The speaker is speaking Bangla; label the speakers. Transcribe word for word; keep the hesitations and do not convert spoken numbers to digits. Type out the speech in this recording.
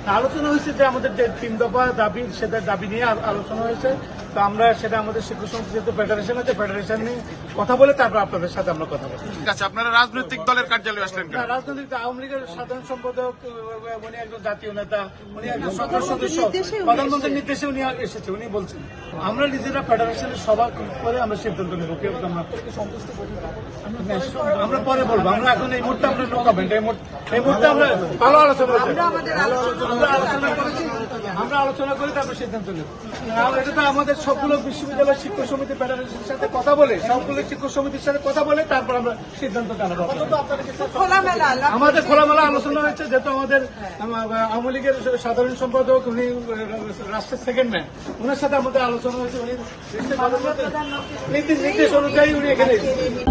Speaker 1: আলোচনা হয়েছে যে আমাদের যে তিন দফা দাবি সেটা দাবি নিয়ে আলোচনা হয়েছে। তো আমরা সেটা আমাদের শিক্ষক সমিতি যেহেতু ফেডারেশন আছে, ফেডারেশন নিয়ে কথা বলে তারপর আপনাদের সাথে আমরা কথা বলবো।
Speaker 2: ঠিক আছে, আপনারা রাজনৈতিক দলের কার্যালয়ে আসলেন কেন?
Speaker 1: রাজনৈতিক আওয়ামী লীগের সাধারণ সম্পাদক, উনি একজন জাতীয় নেতা, উনি একজন সরকার সদস্য, প্রধানমন্ত্রীর নির্দেশে উনি এসেছে। উনি বলছেন আমরা নিজেরা ফেডারেশনের সভা করে আমরা সিদ্ধান্ত নেব। কেউ আমরা পরে বলবো, আমরা এখন এই মুহূর্তে আমরা নো কমেন্ট। এই মুহূর্তে আমরা ভালো আলোচনা আলোচনা করেছি, আমরা আলোচনা করে তারপর সিদ্ধান্ত নেব। এটা তো আমাদের সবগুলো বিশ্ববিদ্যালয় শিক্ষক সমিতি ফেডারেশনের সাথে কথা বলে, সবগুলো শিক্ষক সমিতির সাথে কথা বলে তারপর আমরা সিদ্ধান্ত জানাবো। আমাদের খোলামেলা আলোচনা হয়েছে, যেহেতু আমাদের আওয়ামী লীগের সাধারণ সম্পাদক, উনি রাষ্ট্রের সেকেন্ড ম্যান, ওনার সাথে আমাদের আলোচনা হয়েছে। উনি নির্দেশ অনুযায়ী উনি এখানে